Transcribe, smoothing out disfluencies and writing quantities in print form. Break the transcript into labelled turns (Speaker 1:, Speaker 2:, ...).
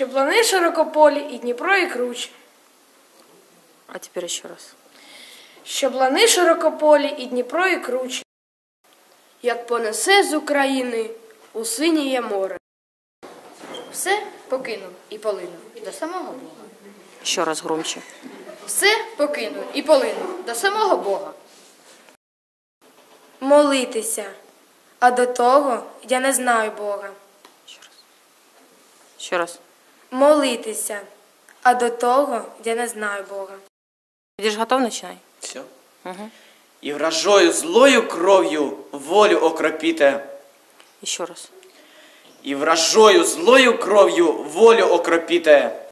Speaker 1: Щоб лани широкополі і Дніпро і круче.
Speaker 2: А теперь еще раз.
Speaker 1: Щоб лани широкополі і Дніпро і круче. Як понесе з України у синіє море.
Speaker 3: Все покинув і полинув до самого Бога.
Speaker 2: Еще раз громче.
Speaker 3: Все покинув і полинув до самого Бога.
Speaker 1: Молитися, а до того я не знаю Бога.
Speaker 2: Еще раз. Еще раз.
Speaker 1: Молитися, а до того я не знаю Бога.
Speaker 2: Будешь готов, начинай.
Speaker 4: Все.
Speaker 2: Угу.
Speaker 4: І вражою злою кров'ю волю окропіте.
Speaker 2: Еще раз.
Speaker 4: І вражою злою кров'ю волю окропіте.